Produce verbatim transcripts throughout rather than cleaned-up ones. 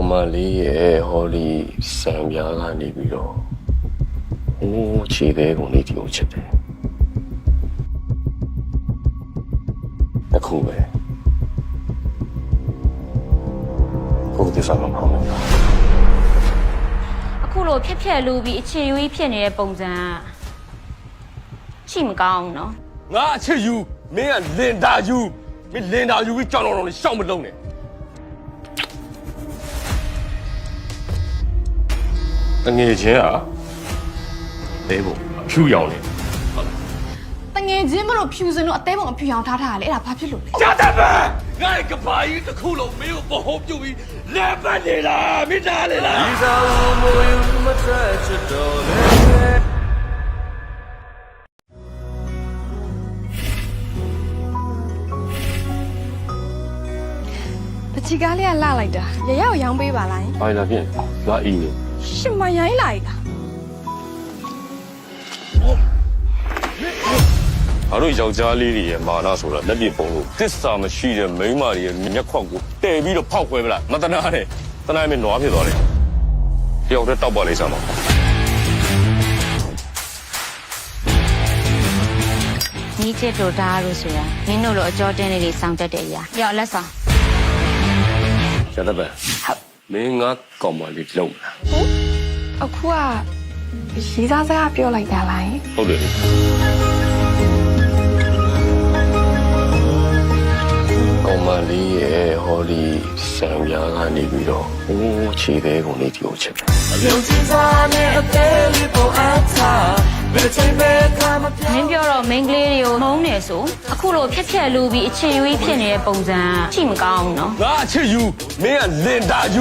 ကောင်မလေးရဲ့ဟောဒီစံပြားကနေပြီးတော့ဟိုးခြေသေးကုန်လေးဒီကိုချက်တယ်အခုပဲကိုယ်တည်းစားမဖောင်းဘူးအခုလိုဖြစ်ဖြစ်လူပြီးအခြေယူကြီးဖြစ်နေတဲ့ပုံစံရှိမကောင်းဘူးနော်ငါအချစ်ယူမင်းကလင်တာယူမင်းလင်တာယူပြီးကြောင်တော်တော်လေးရှောက်မလုံးနဲ့တငယ်ချင်းอ่ะလဲဖို့ဖြူရောင်နေတငယ်ချင်းမလို့ဖြူစင်လို့အသေးပုံအဖြူရောင်ထားထားရလေအဲ့ဒါဘာဖြစ်လို့လဲရတဲ့ပဲငါကဘာကြီးတစ်ခုလုံးမင်းကိုပဟုံးပြုတ်ပြီးလဲပတ်နေလားမိသားလေလားဒီစားဦးမွေမထွက်ချစ်တော်လေတချီကားလေးကလှလိုက်တာရရကိုရောင်းပေးပါလားဘာလာပြင်ငါအင်းနေရှင်မရိုင်းလိုက်လားအားတို့ယောက်ျားလေးတွေရဲ့မာနဆိုတာလက်ပြပုံလို့တစ္ဆာမရှိတဲ့မိန်းမတွေရဲ့မျက်ခွက်ကိုတဲပြီးတော့ဖောက်ခွဲပလားမတနာနဲ့တနာမင်းနွားဖြစ်သွားတယ်တယောက်တည်းတောက်ပါလိမ့်စမ်းပါညီချစ်တို့ဒါလို့ဆိုတာမင်းတို့လိုအကြောတင်းလေးတွေစောင့်တတ်တဲ့အရာရောက်လက်ဆောင်ရတဲ့ပဲဟုတ်မင်းငါကောင်မလေးလုံးလားဟုတ်အခုကရီးစားစကားပြောလိုက်တာလားဟုတ်တယ်ကောင်မလေးရဲ့ဟောဒီစံပြားကနေပြီးတော့ဟိုးခြေသေးကုန်လေးဒီကိုချက်တယ်မင်းပြောတော့ main ကလေးတွေကိုမုန်းနေဆိုအခုလိုဖြစ်ဖြစ်လူပြီးအခြေယူကြီးဖြစ်နေတဲ့ပုံစံရှိမကောင်းဘူးနော်ငါအချစ်ယူမင်းကလင်တာယူ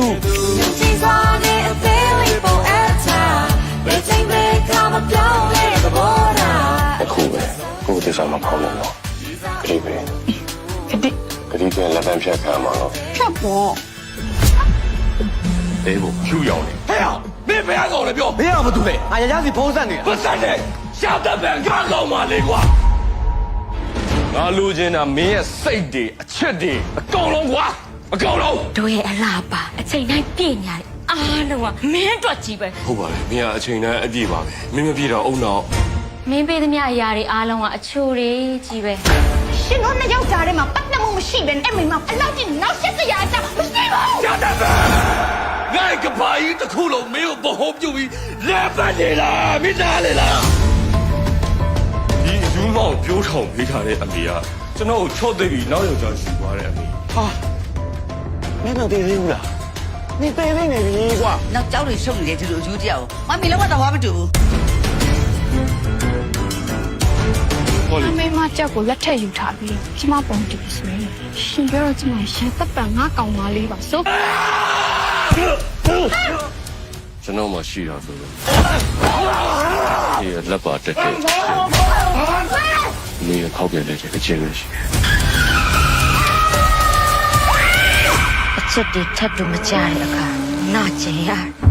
အခုပဲကိုယ်တည်းစားမဖောင်းလို့နော်ခေပဲခတိခတိကလက်တန်းဖြတ်ခံမှာတော့ဖြတ်ပေါ့တဲဖို့ဖြူရောင်နေဟဲ့အောင်မင်းဘယ်ကောင်လဲပြောမင်းကမတူလေငါရရစီဖုံးဆက်နေတာဖုံးဆက်နေရှာတဲ့ဘန်ကားကောင်မလေးကွာငါလူချင်းတာမင်းရဲ့စိတ်တွေအချစ်တွေအကုန်လုံးကွာအကုန်လုံးတို့ရဲ့အလားပါအချိန်တိုင်းပြည့်ညာတယ်အားလုံးကမင်းအတွက်ကြီးပဲဟုတ်ပါလေမင်းကအချိန်တိုင်းအပြည့်ပါပဲမင်းမပြည့်တော့အုံတော့မင်းပေးသမျှအရာတွေအားလုံးကအချိုတွေကြီးပဲရှင်တို့နှစ်ယောက်ကြားထဲမှာပတ်သက်မှုမရှိဘဲအဲ့မိမအလောက်ကြီးနောက်ဆက်စရာအကြောင်းမရှိပါဘူးရတဲ့ပဲငါကဘာကြီးတစ်ခုလုံးမင်းကိုပဟုံးပြုတ်ပြီးလဲပတ်နေလားမိသားလေလားဒီယူမောင်ပြိုးထောင်ပေးထားတဲ့အမေကကျွန်တော်ကိုချော့သိပြီးနောက်ယောက်ျားယူသွားတဲ့အမေဟာမင်းတော့တည်သေးဘူးလားနေပယ်နေနေပြီကွာနောက်ကြောက်တွေရှုပ်နေတယ်ဒီလိုအယူတရားကိုမမေလုံးကတော့ဘာမတူဘူးအမေမကြောက်ကိုလက်ထက်ယူထားပြီးကျမပုံတူဆိုရင်ရှင်ပြောတော့ကျမရှန်တပ်ပံငါကောင်မလေးပါဆိုကျွန်တော်မှရှိတာဆိုတော့ဒီလက်ပါတက်တယ်မင်းခောက်ပြန်တဲ့အချင်းလေးရှိအချက်တွေထပ်လို့မကြတဲ့အခါနာကျင်ရ